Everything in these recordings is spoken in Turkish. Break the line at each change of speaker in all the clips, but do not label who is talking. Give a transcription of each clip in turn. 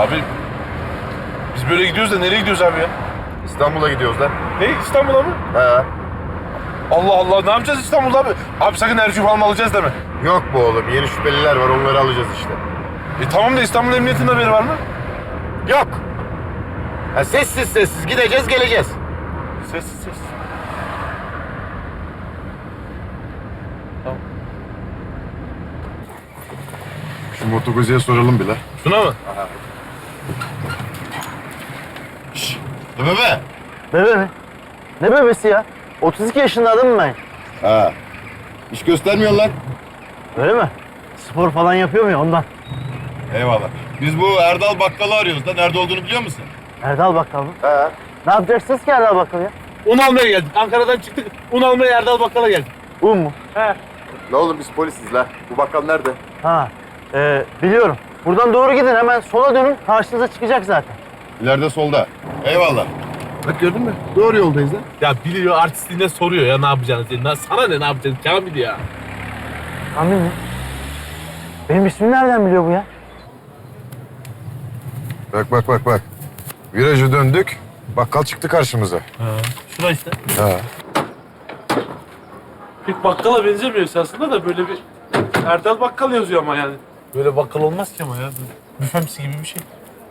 Abi biz böyle gidiyoruz da nereye gidiyoruz abi ya?
İstanbul'a gidiyoruz lan.
Ne, İstanbul'a mı?
He.
Allah Allah, ne yapacağız İstanbul'da abi? Abi sakın Ercü falan alacağız deme.
Yok bu oğlum. Yeni şüpheliler var. Onları alacağız işte.
Tamam da İstanbul Emniyeti'nin haberi var mı?
Yok. Ha, sessiz sessiz gideceğiz geleceğiz.
Sessiz sessiz. Tamam.
Şu motokoziye soralım bile.
Şuna mı?
Bebe.
Bebe mi? Ne bebesi ya? 32 yaşında adamım ben.
Ha. İş göstermiyor lan.
Öyle mi? Spor falan yapıyor mu ya ondan?
Eyvallah. Biz bu Erdal Bakkal'ı arıyoruz da nerede olduğunu biliyor musun?
Erdal Bakkal mı?
He.
Ne yapacaksınız ki Erdal Bakkal ya?
Un almaya geldik. Ankara'dan çıktık. Un almaya Erdal Bakkal'a geldik.
Un mu?
He.
Ne oğlum biz polisiz la. Bu bakkal nerede?
Ha, biliyorum. Buradan doğru gidin, hemen sola dönün, karşınıza çıkacak zaten.
İleride solda. Eyvallah. Bak gördün mü? Doğru yoldayız lan.
Ya biliyor, artistliğine soruyor ya ne yapacağını senin. Sana ne yapacaksın Kamil ya?
Kamil mi? Benim ismimi nereden biliyor bu ya?
Bak. Virajı döndük. Bakkal çıktı karşımıza.
Şura işte.
Ha.
Pek bakkala benzemiyor aslında da böyle bir Erdal Bakkal yazıyor ama yani. Böyle bakkal olmaz ki ama ya. Büfemsi gibi bir şey.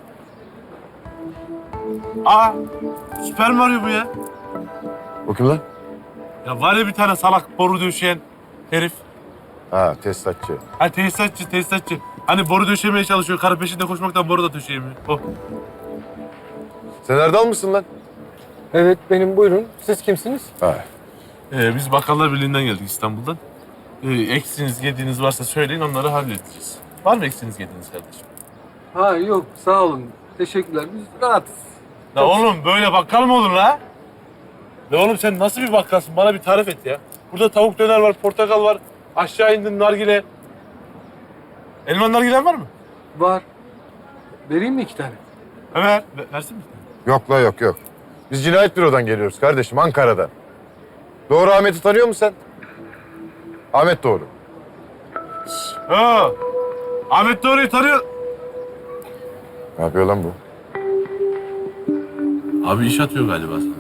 Aa! Süper Mario bu ya.
O kim lan?
Ya var ya bir tane salak boru döşeyen herif.
Ha, tesisatçı.
Ha tesisatçı. Hani boru döşemeye çalışıyor. Karı peşinde koşmaktan boru da döşeyemiyor. O.
Sen Erdal mısın lan?
Evet benim, buyurun. Siz kimsiniz?
Ha.
Biz Bakkallar Birliği'nden geldik İstanbul'dan. Eksiğiniz, yediğiniz varsa söyleyin, onları halledeceğiz. Var mı eksiğiniz, yediğiniz kardeşim?
Ha yok, sağ olun. Teşekkürler. Biz rahatız.
Ya oğlum böyle bakkal mı olur la? Ya oğlum sen nasıl bir bakkalsın? Bana bir tarif et ya. Burada tavuk döner var, portakal var. Aşağı indin nargile. Elman nargilen var mı?
Var. Vereyim mi 2 tane?
Evet. Versin mi?
Yok la yok. Biz cinayet bürodan geliyoruz kardeşim, Ankara'dan. Doğru Ahmet'i tanıyor musun sen? Ahmet Doğru.
Ha. Ahmet Doğru'yu tanıyor.
Ne yapıyor lan bu?
Abi iş atıyor galiba sana.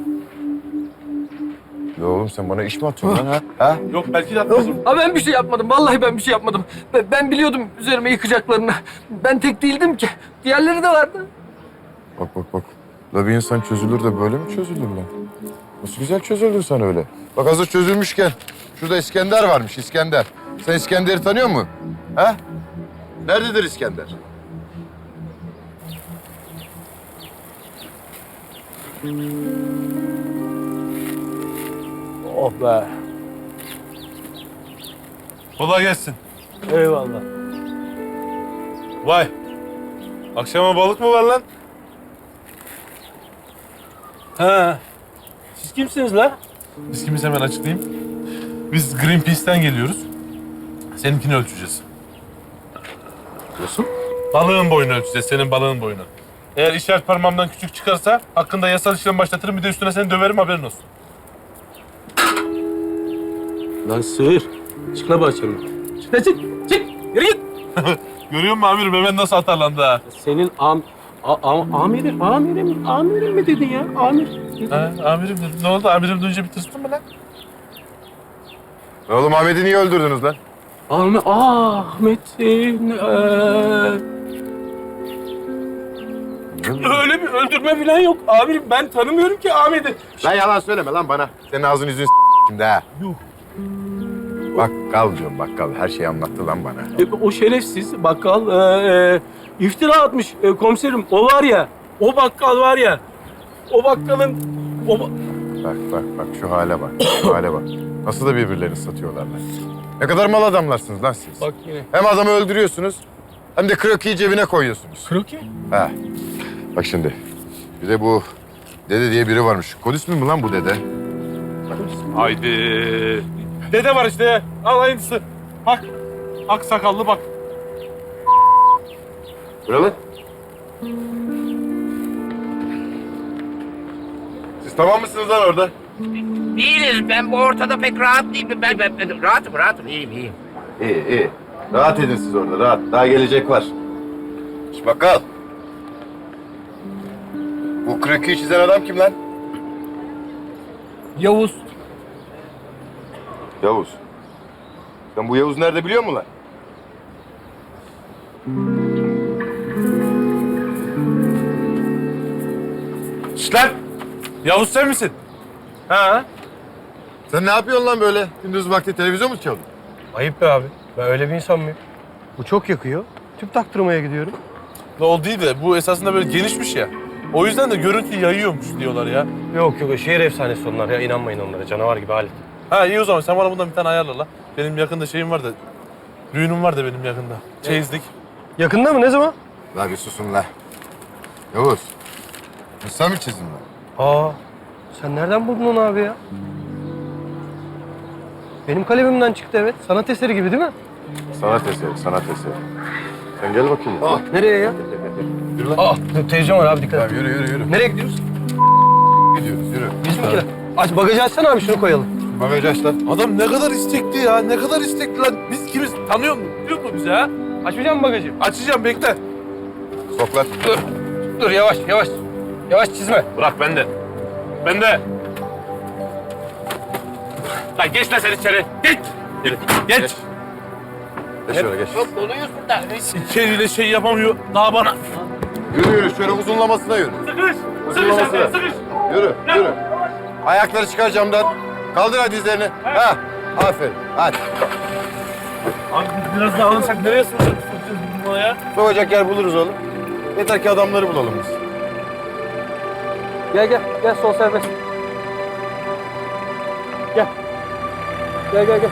Ya oğlum sen bana iş mi atıyorsun lan ha?
Yok belki de atmaz.
Ha ben bir şey yapmadım. Vallahi ben bir şey yapmadım. Ben biliyordum üzerime yıkacaklarını. Ben tek değildim ki. Diğerleri de vardı.
Bak. La bir insan çözülür de böyle mi çözülür lan? Nasıl güzel çözüldün sen öyle. Bak hazır çözülmüşken şurada İskender varmış, İskender. Sen İskender'i tanıyor musun? Ha? Nerededir İskender?
Oh be.
Kolay gelsin.
Eyvallah.
Vay. Akşama balık mı var lan?
Ha. Siz kimsiniz la?
Biz kimiz hemen açıklayayım. Biz Greenpeace'ten geliyoruz. Seninkini ölçeceğiz.
Nasıl?
Balığın boyunu ölçeceğiz, senin balığın boyunu. Eğer işaret parmağımdan küçük çıkarsa hakkında yasal işlem başlatırım, bir de üstüne seni döverim, haberin olsun.
Lan sığır. Çık la bahçemden. Çık la çık. Çık. Yürü git.
Görüyor musun amirim, hemen nasıl atarlandı ha?
Senin amirim mi dedin ya? Amir.
Ha, amirim dedim. Ne oldu? Amirim duyunca bir tırstın mı lan?
Oğlum Ahmet'i niye öldürdünüz lan?
Ahmet'in öyle bir öldürme falan yok. Amirim ben tanımıyorum ki Ahmet'i.
Lan yalan söyleme lan bana. Senin ağzını yüzünü şimdi ha.
Yuh.
Bakkal diyorum bakkal. Her şeyi anlattı lan bana.
O şerefsiz bakkal iftira atmış komiserim. O var ya, o bakkal var ya. O bakkalın...
Bak şu hale bak. Şu hale bak. Nasıl da birbirlerini satıyorlar lan. Ne kadar mal adamlarsınız lan siz.
Bak yine.
Hem adamı öldürüyorsunuz hem de krokiyi cebine koyuyorsunuz.
Kroki?
Ha. Bak şimdi. Bir de bu dede diye biri varmış. Kod ismi mi lan bu dede?
Haydi. Dede var işte. Al aynısı. Bak. Ak sakallı bak.
Buralı. Siz tamam mısınız lan orada?
Değiliz. Ben bu ortada pek rahat değilim. Ben rahatım. İyiyim.
İyi. Rahat edin siz orada, rahat. Daha gelecek var. Şş bakkal. Bu krokiyi çizen adam kim lan?
Yavuz.
Yavuz. Sen bu Yavuz nerede biliyor musun lan?
Şşt lan! Yavuz sen misin?
Ha?
Sen ne yapıyorsun lan böyle? Gündüz vakti televizyon mu çalıyorsun?
Ayıp be abi. Ben öyle bir insan mıyım? Bu çok yakıyor. Tüp taktırmaya gidiyorum.
Ne oldu değil de bu esasında böyle genişmiş ya. O yüzden de görüntü yayıyormuş diyorlar ya.
Yok yok, şehir efsanesi onlar ya. İnanmayın onlara. Canavar gibi Halit.
Ha iyi o zaman sen bana bundan bir tane ayarla la. Benim yakında şeyim var da, düğünüm var da benim yakında. Çeyizlik.
Yakında mı? Ne zaman?
La bir susun la. Yavuz. Bu sen mi çizdin lan?
Aa, sen nereden buldun onu abi ya? Benim kalemimden çıktı, evet. Sanat eseri gibi değil mi?
Sanat eseri, sanat eseri. Sen gel bakayım.
Nereye ya?
Yürü lan.
Aa, televizyon var abi, dikkat et.
Tamam yürü.
Nereye gidiyoruz?
Gidiyoruz yürü.
Biz mi ki? Aç bagajı açsana abi, şunu koyalım.
Bagajı aç lan.
Adam ne kadar istekli ya, ne kadar istekli lan. Biz kimiz? Tanıyor musun? Biliyor musun bizi ha?
Açmayacak mısın bagajı?
Açacağım bekle.
Sok lan.
Dur yavaş yavaş. Yavaş çizme.
Bırak bende. Bende. Lan geç lan sen içeri. Geç. Geç.
Geç şöyle geç.
Çok doluyuz burada.
İçeriyle şey yapamıyor. Daha bana.
Yürü şöyle uzunlamasına yürü.
Sıkış.
Uzunlamasına. Yürü. Ayakları çıkar camdan. Kaldır hadi dizlerini. Ha. Aferin. Hadi.
Abi biz biraz daha alırsak nereye sokacağız bunu ya?
Sokacak yer buluruz oğlum. Yeter ki adamları bulalım biz.
Gel sol serbest. Gel. Gel.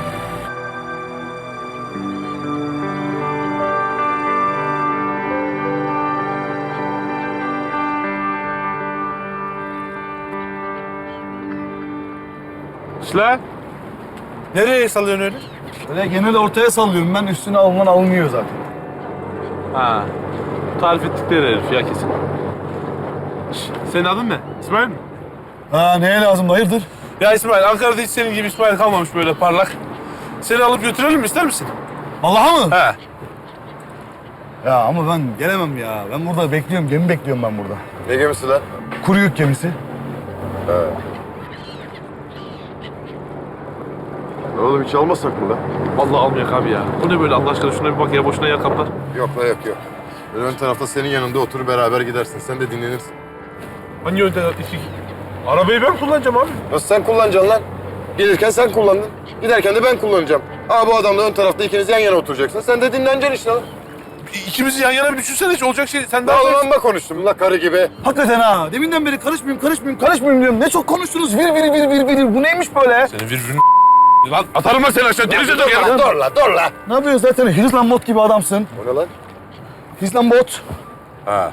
İşte. Nereye sallıyorsun öyle?
Öyle genel ortaya sallıyorum ben. Üstüne alınan alınmıyor zaten.
Ha. Tarif ettikleri herif ya kesin. Senin adın ne? İsmail mi?
Ha neye lazım hayırdır?
Ya İsmail, Ankara'da hiç senin gibi İsmail kalmamış böyle parlak. Seni alıp götürelim mi, ister misin?
Vallahi mı?
He.
Ya ama ben gelemem ya. Ben burada bekliyorum. Gemi bekliyorum ben burada.
Ne gemisi lan?
Kuru yük gemisi.
Oğlum hiç almasak mı lan?
Vallahi almayak abi ya. Bu ne böyle Allah aşkına, şuna bir bak ya, boşuna yer kaplar.
Yok. Böyle ön tarafta senin yanında otur beraber gidersin. Sen de dinlenirsin.
Hangi yönde? Arabayı ben kullanacağım abi.
Nasıl sen kullanacaksın lan? Gelirken sen kullandın. Giderken de ben kullanacağım. Bu adamla ön tarafta ikiniz yan yana oturacaksın. Sen de dinleneceksin işte lan.
İkimizi yan yana bir düşünsene, hiç olacak şey. Sen
Daha
daha
ulan bak konuştum la karı gibi.
Hakikaten ha. Deminden beri karışmayayım diyorum. Ne çok konuştunuz. Vir. Bu neymiş böyle?
Senin virgülün lan atarım ben seni aşağı. Denize dur ya.
Dur la.
Ne yapıyorsun zaten? Hizlan bot gibi adamsın.
O ne lan?
Hizlan bot.
Ha.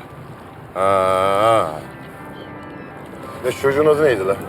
Ne çocuğun adı neydi lan?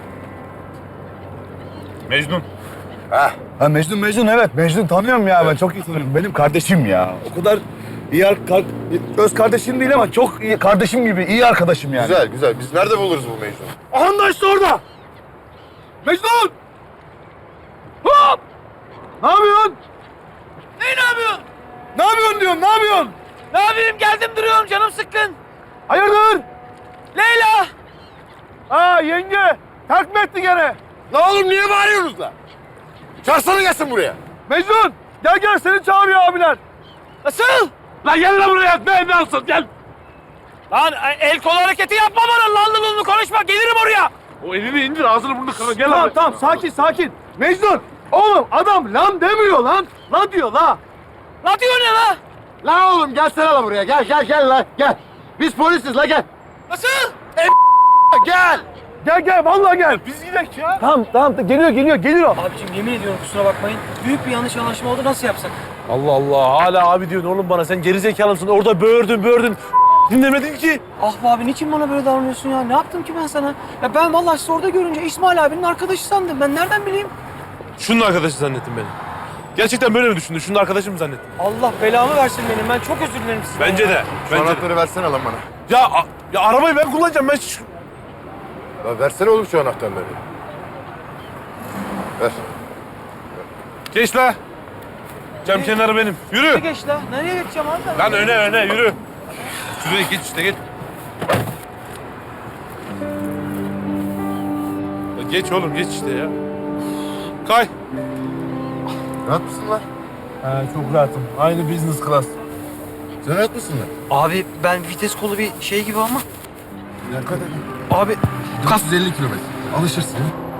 Mecnun.
Ha.
Ha Mecnun evet. Mecnun tanıyorum ya ben. Çok iyi tanıyorum. Benim kardeşim ya. O kadar iyi öz kardeşim değil ama çok iyi kardeşim gibi iyi arkadaşım yani.
Güzel. Biz nerede buluruz bu Mecnun'u?
Aha da işte orada. Mecnun! Hop! Ne yapıyorsun?
Ne yapıyorsun?
Ne yapıyorsun diyorum, ne yapıyorsun?
Ne yapayım? Geldim duruyorum, canım sıkkın.
Hayırdır?
Leyla!
Ha yenge, terk mi etti gene?
La oğlum niye bağırıyorsunuz la? Çağırsana gelsin buraya.
Mecnun, gel seni çağırıyor abiler.
Nasıl?
Lan gel lan buraya. Ne alsın gel.
Lan el kol hareketi yapma bana. Lan konuşma. Gelirim oraya.
O elini indir, ağzını burnunu kara. Gel abi.
Tamam, sakin. Mecnun, oğlum adam lan demiyor lan. La diyor la.
Ne diyor ne la?
La oğlum gelsene la buraya. Gel la. Gel. Biz polisiz la gel.
Nasıl?
Gel.
Gel, vallahi gel.
Biz gidelim ya.
Tamam, geliyor.
Abicim yemin ediyorum kusura bakmayın. Büyük bir yanlış anlaşma oldu. Nasıl yapsak?
Allah Allah, hala abi diyorsun oğlum bana. Sen gerizekalı mısın? Orada böğürdün. Dinlemedin ki.
Ah be abi niçin bana böyle davranıyorsun ya? Ne yaptım ki ben sana? Ya ben vallahi sizi orada görünce İsmail abinin arkadaşı sandım. Ben nereden bileyim?
Şunun arkadaşı zannettim beni. Gerçekten böyle mi düşündün? Şunun arkadaşı mı zannettin?
Allah belamı versin benim. Ben çok özür dilerim sizden.
Bence de.
Şu anahtarı versene lan bana.
Ya arabayı ben kullanacağım. Ben
La versene oğlum şu anahtarları. Ver.
Geç la. Cam kenarı benim. Yürü.
Geç la. Nereye geçeceğim abi?
Lan öne yürü. Şuraya geç işte geç. Geç oğlum geç işte ya. Kay.
Rahat mısın lan?
He çok rahatım. Aynı business class.
Sen rahat mısın lan?
Abi ben vites kolu bir şey gibi ama.
Ne kadar?
Abi
450 kilometre. Alışırsın.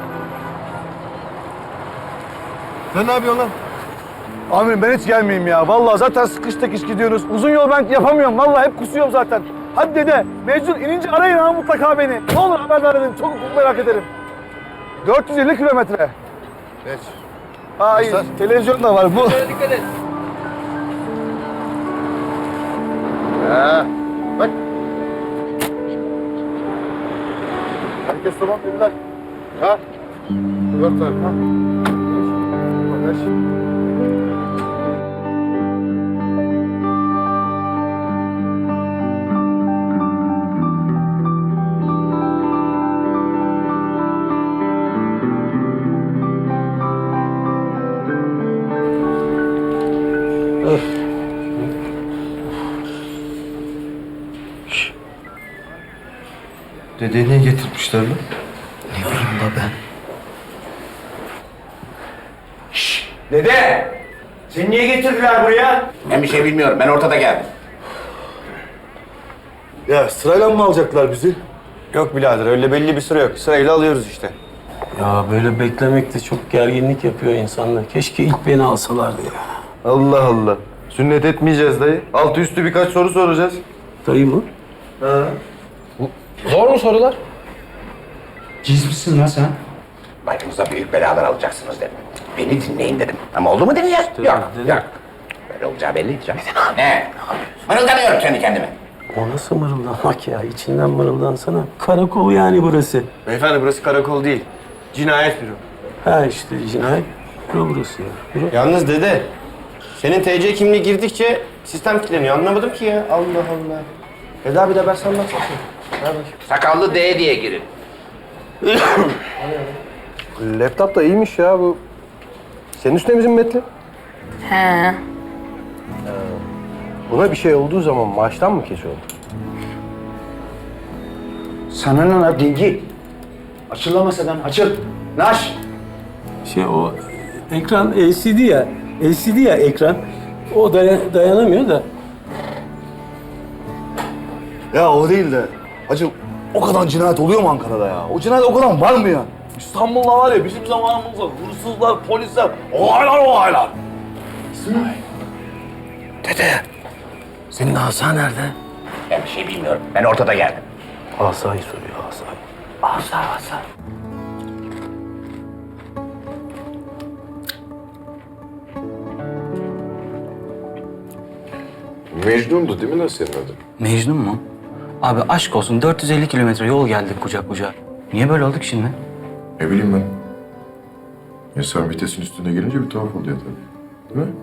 Sen ne yapıyorsun lan?
Amirim ben hiç gelmeyeyim ya. Vallahi zaten sıkıştık iş gidiyoruz. Uzun yol ben yapamıyorum. Vallahi hep kusuyorum zaten. Hadi dede, Mecnun inince arayın ha mutlaka beni. Ne olur haberdar edin. Çok merak ederim. 450 kilometre.
Geç.
Aa iyi.
Başlar.
Televizyon da var. Bu.
Dikkat et.
Ha. Bak. Herkes tamam dediler. Ha? Dört tane. Ha? Geç.
Dedeyi niye getirmişler lan?
Dede! Seni niye getirdiler buraya?
Ben bir şey bilmiyorum. Ben ortada geldim.
Ya sırayla mı alacaklar bizi?
Yok birader öyle belli bir süre yok. Sırayla alıyoruz işte.
Ya böyle beklemek de çok gerginlik yapıyor insanlar. Keşke ilk beni alsalardı ya.
Allah Allah. Sünnet etmeyeceğiz dayı. Altı üstü birkaç soru soracağız.
Dayı mı?
Zor mu sorular?
Ciz misin lan sen?
Başımıza büyük belalar alacaksınız dedim. Beni dinleyin dedim. Ama oldu mu dinleyeceğiz? Yok,
dedim.
yok. Böyle olacağı belliydi canım. Ne? Mırıldanıyorum kendi kendime.
O nasıl mırıldanmak ya? İçinden mırıldansana. Karakol yani burası.
Beyefendi burası karakol değil. Cinayet büro.
Ha işte cinayet büro burası ya. Büro.
Yalnız dede, senin TC kimliği girdikçe sistem kilitleniyor. Anlamadım ki ya. Allah Allah. Dede abi de ben sana anlatsana. Ver bakayım.
Sakallı D diye girin.
Laptop da iyiymiş ya bu. Senin üstüne bizim metli.
He.
Buna bir şey olduğu zaman maaştan mı kesiyor?
Sana ne lan dingi? Açıl lan masadan, açıl. Naş.
Şey o ekran LCD ya. LCD ya ekran. O dayanamıyor da.
Ya o değil de. Hacı o kadar cinayet oluyor mu Ankara'da ya? O cinayet o kadar var mı ya? İstanbul'da var ya bizim zamanımızda hırsızlar, polisler, olaylar.
dede. Senin asa nerede?
Ben bir şey bilmiyorum. Ben ortada geldim.
Asayı soruyor asayı.
Asa.
Mecnun'du değil mi lan senin adın?
Mecnun mu? Abi aşk olsun 450 kilometre yol geldik kucak kucağa. Niye böyle olduk şimdi?
Ne bileyim ben. İnsan vitesin üstüne gelince bir tuhaf oluyor tabii. Değil mi?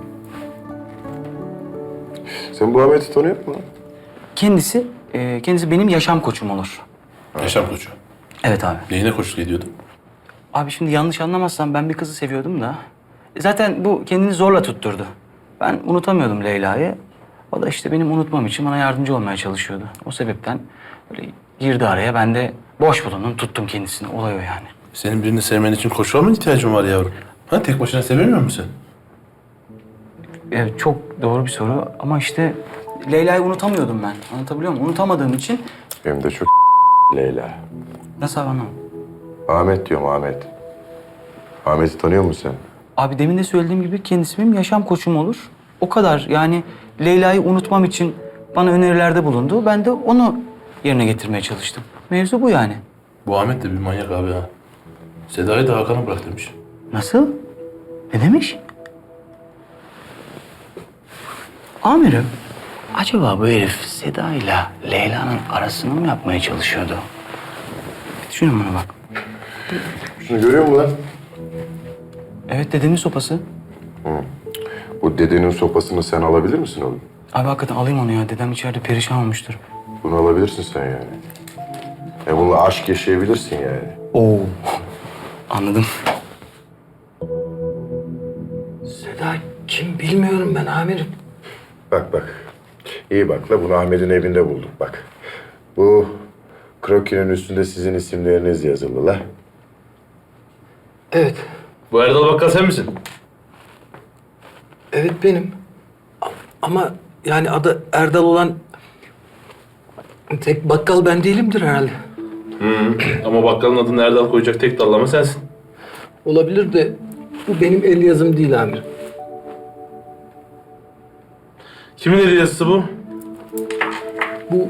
Sen bu Ahmet'i tanıyor musun lan?
Kendisi benim yaşam koçum olur.
Yaşam koçu.
Evet abi.
Neyine koçluk ediyordun?
Abi şimdi yanlış anlamazsan ben bir kızı seviyordum da. Zaten bu kendini zorla tutturdu. Ben unutamıyordum Leyla'yı. O da işte benim unutmam için bana yardımcı olmaya çalışıyordu. O sebepten böyle girdi araya. Ben de boş bulundum, tuttum kendisini. Olay o yani.
Senin birini sevmen için koçluğa mı ihtiyacın var yavrum? Ha tek başına sevemiyor musun
Evet, çok doğru bir soru ama işte Leyla'yı unutamıyordum ben. Anlatabiliyor muyum? Unutamadığım için
Hem de çok Leyla.
nasıl anlamadım?
Ahmet diyorum Ahmet. Ahmet'i tanıyor musun sen?
Abi demin de söylediğim gibi kendisi benim yaşam koçum olur. O kadar yani Leyla'yı unutmam için bana önerilerde bulundu. Ben de onu yerine getirmeye çalıştım. Mevzu bu yani.
Bu Ahmet de bir manyak abi ha. Seda'yı da Hakan'a bırak demiş.
Nasıl? Ne demiş? Amirim, acaba bu herif Seda ile Leyla'nın arasını mı yapmaya çalışıyordu? Bir düşünün buna bak.
Şunu görüyor musun lan?
Evet, dedemin sopası.
Bu dedenin sopasını sen alabilir misin oğlum?
Abi hakikaten alayım onu ya. Dedem içeride perişan olmuştur.
Bunu alabilirsin sen yani. Bununla aşk yaşayabilirsin yani.
Oo. Anladım. Seda kim bilmiyorum ben amirim.
Bak bak. İyi bak la bunu Ahmet'in evinde bulduk bak. Bu krokinin üstünde sizin isimleriniz yazılı la.
Evet.
Bu Erdal Bakkal sen misin?
Evet benim. Ama yani adı Erdal olan tek bakkal ben değilimdir herhalde.
Ama bakkalın adını Erdal koyacak tek dallama sensin.
Olabilir de bu benim el yazım değil amirim.
Kimin eli yazısı bu?
Bu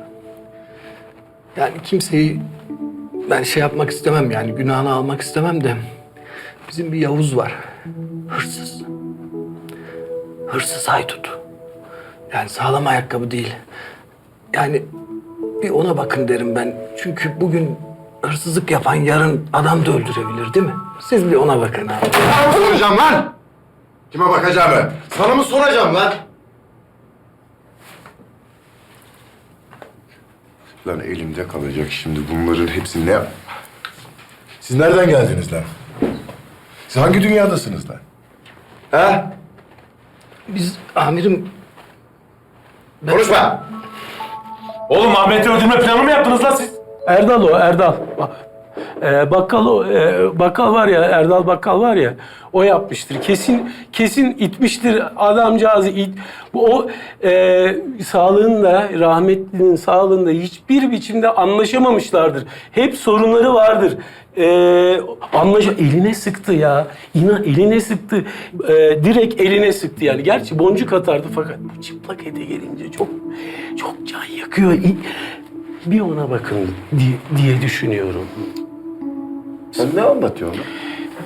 yani kimseyi ben şey yapmak istemem yani günahını almak istemem de bizim bir Yavuz var. Hırsız. Hırsız haydut. Yani sağlam ayakkabı değil. Yani bir ona bakın derim ben. Çünkü bugün hırsızlık yapan yarın adam da öldürebilir değil mi? Siz bir ona bakın abi.
Soracağım lan! Kime bakacağımı? Sana mı soracağım lan? Lan elimde kalacak şimdi bunların hepsi ne? Siz nereden geldiniz lan? Siz hangi dünyadasınız lan? He?
Biz amirim
Konuşma!
Oğlum Ahmet'i öldürme planı mı yaptınız lan siz?
Erdal o, Erdal. Bakkal o, bakkal var ya, Erdal Bakkal var ya, o yapmıştır. Kesin itmiştir adamcağızı. O sağlığında, rahmetlinin sağlığında hiçbir biçimde anlaşamamışlardır. Hep sorunları vardır. Eline sıktı ya. İnan eline sıktı. Direkt eline sıktı yani. Gerçi boncuk atardı fakat bu çıplak ete gelince çok can yakıyor. Bir ona bakın diye düşünüyorum.
Sen ne anlatıyorsun lan?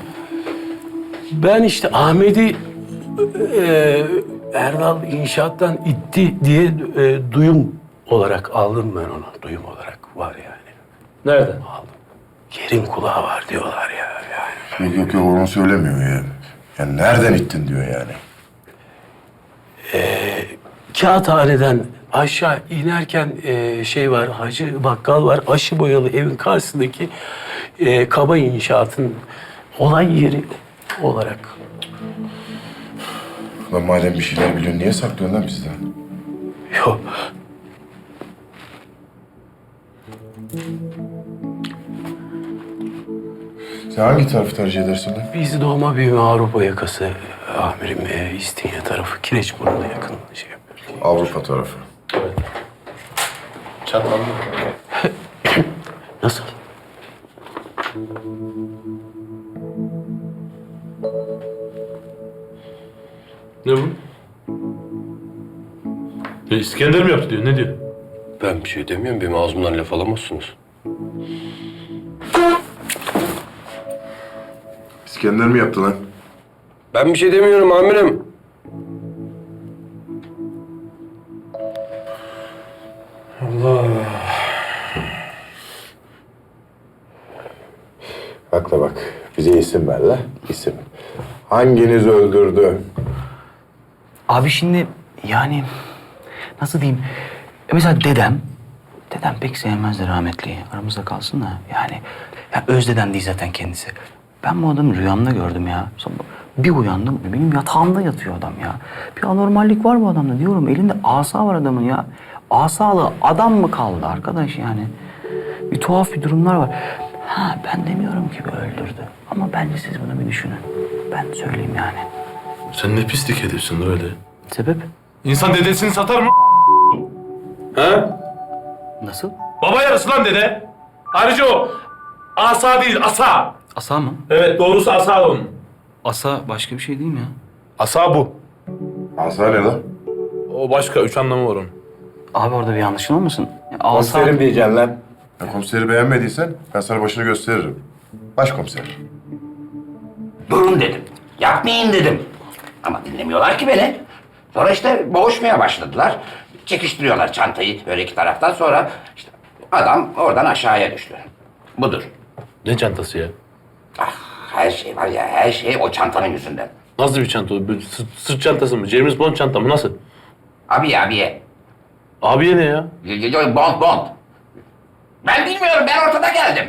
Ben işte Ahmet'i Erdal inşaattan itti diye duyum olarak aldım ben onu. Duyum olarak var yani.
Nereden?
Aldım. Yerin kulağı var diyorlar ya. Yani.
Yok onu söylemiyor ya. Yani nereden ittin diyor yani.
Kağıthaneden aşağı inerken şey var, Hacı Bakkal var. Aşı boyalı evin karşısındaki kaba inşaatın olay yeri olarak.
Lan madem bir şeyler biliyorsun niye saklıyorsun lan bizden?
Yok.
Sen hangi tarafı tercih edersin lan?
Biz doğma büyüme Avrupa yakası amirim. İstinye tarafı, Kireçburnu'na yakın şey yapıyoruz.
Avrupa tarafı.
Çatlandı.
Nasıl?
Ne bu? İskender mi yaptı diyor, ne diyor?
Ben bir şey demiyorum. Benim ağzımdan laf alamazsınız.
İskender mi yaptı lan?
Ben bir şey demiyorum amirim.
Akla bak. Bize isim ver la. İsim. Hanginiz öldürdü?
Abi şimdi yani nasıl diyeyim? Mesela dedem pek sevmezdi rahmetliyi. Aramızda kalsın da yani. Ya Özdedem değil zaten kendisi. Ben bu adamı rüyamda gördüm ya. Sonra bir uyandım, benim yatağımda yatıyor adam ya. Bir anormallik var bu adamda diyorum. Elinde asa var adamın ya. Asalı adam mı kaldı arkadaş yani? Bir tuhaf bir durumlar var. Ha ben demiyorum ki bu öldürdü. Ama bence siz bunu bir düşünün. Ben söyleyeyim yani.
Sen ne pislik ediyorsun öyle.
Sebep?
İnsan dedesini satar mı? Ha?
Nasıl?
Baba yarısı lan dede. Ayrıca o asa değil, asa.
Asa mı?
Evet, doğrusu asa onun.
Asa başka bir şey değil mi ya?
Asa bu.
Asa ne lan?
O başka, 3 anlamı var onun.
Abi orada bir yanlışın olmasın? Ya,
Komiserim diyeceksin lan. Ya komiseri beğenmediysen ben sana başını gösteririm. Başkomiser.
Durun dedim. Yapmayın dedim. Ama dinlemiyorlar ki beni. Sonra işte boğuşmaya başladılar. Çekiştiriyorlar çantayı böyle iki taraftan, sonra işte adam oradan aşağıya düştü. Budur.
Ne çantası ya?
Ah, her şey var ya, her şey o çantanın yüzünden.
Nasıl bir çanta o? Böyle sırt çantası mı? James Bond çanta mı? Nasıl?
Abiye.
Abiye ne ya?
Bond. Ben bilmiyorum, ben ortada geldim.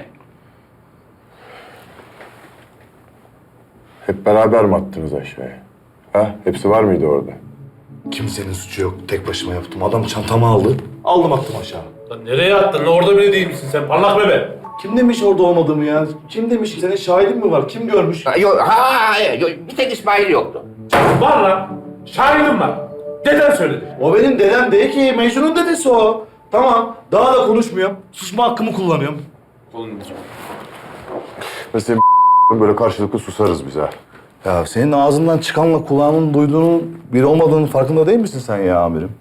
Hep beraber mi attınız aşağıya? Ha? Hepsi var mıydı orada?
Kimsenin suçu yok. Tek başıma yaptım. Adam çantamı aldı. Aldım attım aşağı.
Lan nereye attın? Orada bile değil misin sen? Parlak bebe.
Kim demiş orada olmadığımı ya? Kim demiş? Senin şahidin mi var? Kim görmüş?
Yok, bir tek İsmail yoktu.
Var lan. Şahidim var. Deden söyledi.
O benim dedem değil ki. Mecnun'un dedesi o. Tamam. Daha da konuşmuyorum. Susma hakkımı kullanıyorum.
Mesela böyle karşılıklı susarız biz ha.
Ya senin ağzından çıkanla kulağının duyduğunun bir olmadığının farkında değil misin sen ya amirim?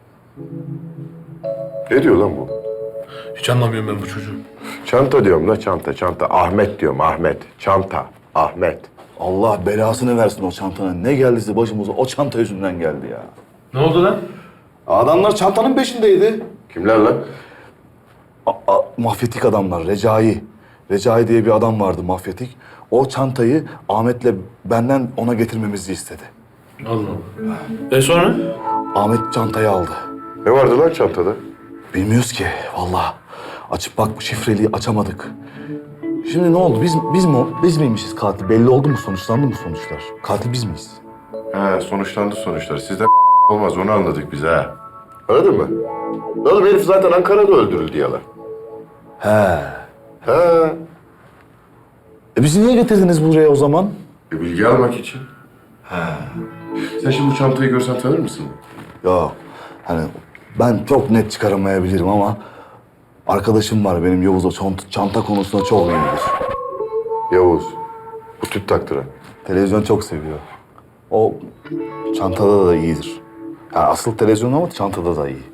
Ne diyor lan bu?
Hiç anlamıyorum ben bu çocuğu.
Çanta diyorum la çanta, çanta. Ahmet diyorum, Ahmet. Çanta, Ahmet.
Allah belasını versin o çantanın. Ne geldiyse başımıza o çanta yüzünden geldi ya.
Ne oldu lan?
Adamlar çantanın peşindeydi.
Kimler lan?
Mafyatik adamlar, Recai. Recai diye bir adam vardı mafyatik. O çantayı Ahmet'le benden ona getirmemizi istedi.
Allah Allah. Sonra?
Ahmet çantayı aldı.
Ne vardı lan çantada?
Bilmiyoruz ki vallahi. Açıp bak şifreliği açamadık. Şimdi ne oldu? Biz miymişiz katil? Belli oldu mu? Sonuçlandı mı sonuçlar? Katil biz miyiz?
He, sonuçlandı sonuçlar. Sizden olmaz, onu anladık biz ha. Anladın mı? Oğlum herif zaten Ankara'da öldürüldü yalan.
He.
He.
Bizi niye getirdiniz buraya o zaman?
Bilgi almak için. He. Sen şimdi bu çantayı görsen tanır mısın?
Ya hani ben çok net çıkaramayabilirim ama arkadaşım var benim Yavuz, o çanta konusunda çok iyidir.
Yavuz. Bu tüp taktıran.
Televizyon çok seviyor. O çantada da iyidir. Yani asıl televizyon ama çantada da iyi.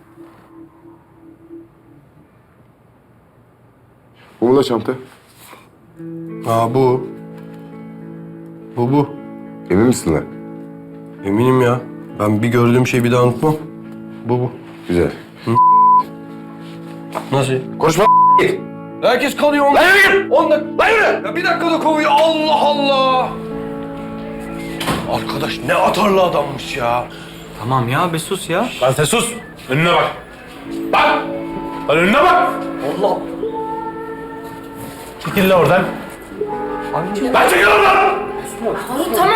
Bu mu da çanta?
Ha bu. Bu.
Emin misin lan?
Eminim ya. Ben bir gördüğüm şeyi bir daha unutmam. Bu.
Güzel.
Nasıl?
Konuşma git.
Herkes kalıyor. Lan yürü! 10 dakika. Lan yürü! Ya bir dakikada kovuyor. Allah Allah! Arkadaş ne atarlı adammış ya.
Tamam ya bir sus ya.
Lan sen sus. Önüne bak. Bak. Lan önüne bak.
Allah!
Çekil lan oradan. Lan çekil oradan.
Tamam.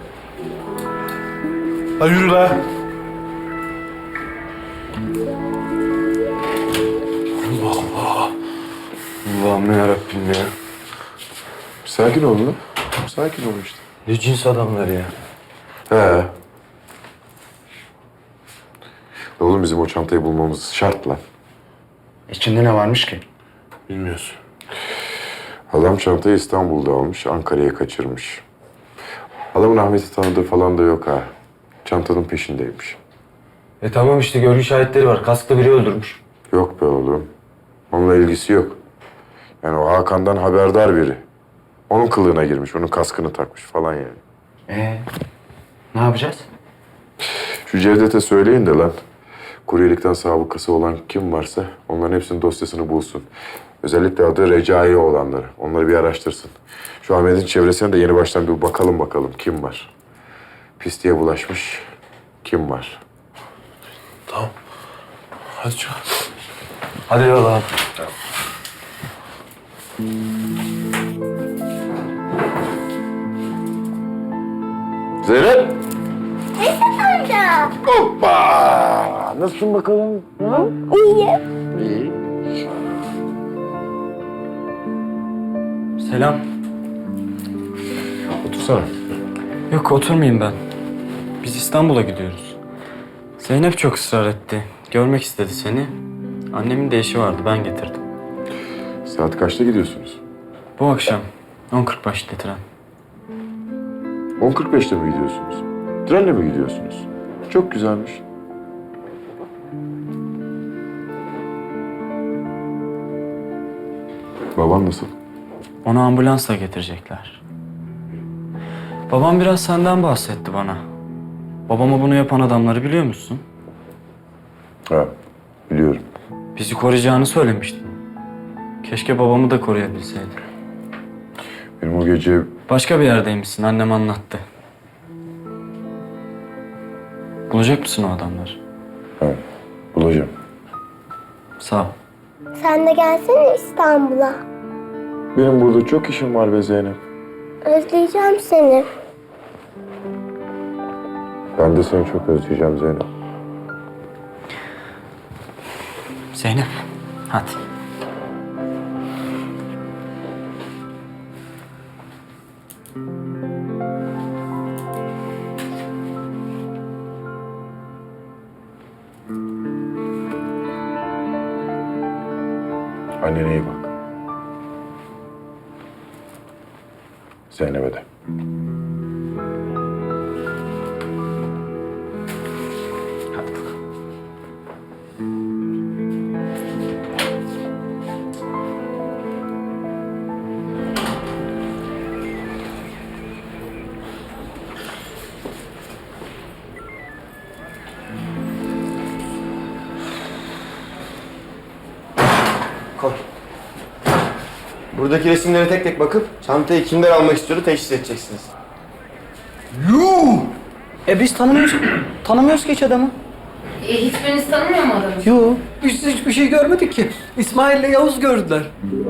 Lan yürü lan.
Allah'ım yarabbim ya.
Sakin ol lan. Sakin ol işte.
Ne cins adamlar ya.
He. Oğlum bizim o çantayı bulmamız şart lan.
İçinde ne varmış ki?
Bilmiyorsun.
Adam çantayı İstanbul'da almış, Ankara'ya kaçırmış. Adamın Ahmet'i tanıdığı falan da yok ha. Çantanın peşindeymiş.
Tamam işte görgü şahitleri var. Kasklı biri öldürmüş.
Yok be oğlum. Onunla ilgisi yok. Yani o Hakan'dan haberdar biri. Onun kılığına girmiş, onun kaskını takmış falan yani.
Ne yapacağız?
Şu Cevdet'e söyleyin de lan. Kuryelikten sabıkası olan kim varsa onların hepsinin dosyasını bulsun. Özellikle adı Recai olanları. Onları bir araştırsın. Şu Ahmet'in çevresine de yeni baştan bir bakalım kim var. Pisliğe bulaşmış kim var.
Tamam. Hadi çık.
Hadi yola.
Zeynep!
Amca.
Hoppa! Nasılsın bakalım? Ha?
İyiyim.
İyi.
Selam.
Otursana.
Yok oturmayayım ben. Biz İstanbul'a gidiyoruz. Zeynep çok ısrar etti. Görmek istedi seni. Annemin de işi vardı ben getirdim.
Saat kaçta gidiyorsunuz?
Bu akşam 10.45'te tren.
10.45'te mi gidiyorsunuz? Trenle mi gidiyorsunuz? Çok güzelmiş. Baban nasıl?
Onu ambulansla getirecekler. Babam biraz senden bahsetti bana. Babama bunu yapan adamları biliyor musun?
Ha, biliyorum.
Bizi koruyacağını söylemiştin. Keşke babamı da koruyabilseydin.
Benim o gece
Başka bir yerdeymişsin, annem anlattı. Bulacak mısın o adamları?
bulacağım.
Sağ ol.
Sen de gelsene İstanbul'a.
Benim burada çok işim var be Zeynep.
Özleyeceğim seni.
Ben de seni çok özleyeceğim Zeynep.
Zeynep, hadi.
Annene iyi bak. Zeynep'e de.
Koy. Buradaki resimlere tek tek bakıp çantayı kimden almak istiyordu teşhis edeceksiniz.
Biz tanımıyoruz ki hiç adamı.
Hiçbiriniz tanımıyor mu adamı?
Yok, biz hiçbir şey görmedik ki. İsmail'le Yavuz gördüler.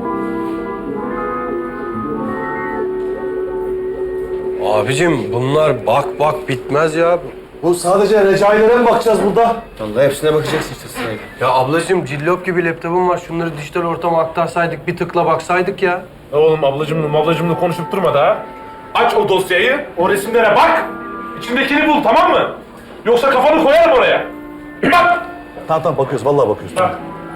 Abicim bunlar bak bitmez ya.
Bu sadece recailere mi bakacağız burada?
Vallahi hepsine bakacaksın işte sırayla.
Ya ablacığım cillop gibi laptopum var. Şunları dijital ortama aktarsaydık, bir tıkla baksaydık ya.
Oğlum ablacımla konuşup durma da. Aç o dosyayı, o resimlere bak. İçindekini bul, tamam mı? Yoksa kafanı koyarım oraya. Bak!
Tamam bakıyoruz, vallahi bakıyoruz.
Bak.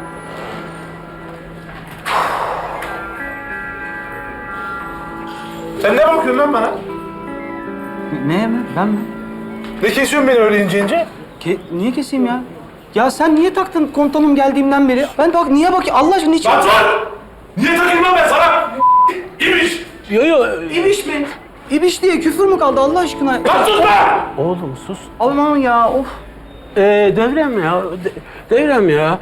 Sen ne bakıyorsun lan bana?
Ne mi? Ben mi?
Ne kesiyorsun beni öyle ince ince?
Niye keseyim ya? Ya sen niye taktın komutanım geldiğimden beri? Ben bak niye bakayım? Allah aşkına niçin?
Lan dur! Niye takayım lan ben sana? İmiş!
Yo.
İbiş mi? İbiş diye küfür mü kaldı Allah aşkına?
Lan sus be!
Oğlum sus.
Aman ya of.
Devrem ya. Devrem ya.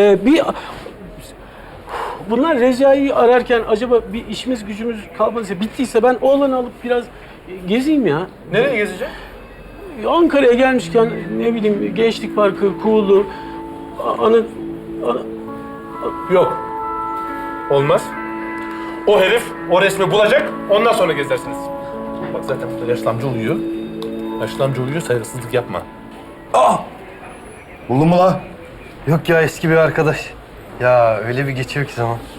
Bunlar Recai'yi ararken acaba bir işimiz gücümüz kalmadıysa, bittiyse ben oğlanı alıp biraz gezeyim ya.
Nereye gezeceksin?
Ankara'ya gelmişken ne bileyim Gençlik Parkı, Kuğulu,
Yok. Olmaz. O herif o resmi bulacak, ondan sonra gezersiniz. Bak zaten burada yaşlı amca uyuyor. Yaşlı amca uyuyor, saygısızlık yapma.
Buldun mu lan?
Yok ya eski bir arkadaş. Ya öyle bir geçiyor ki zaman.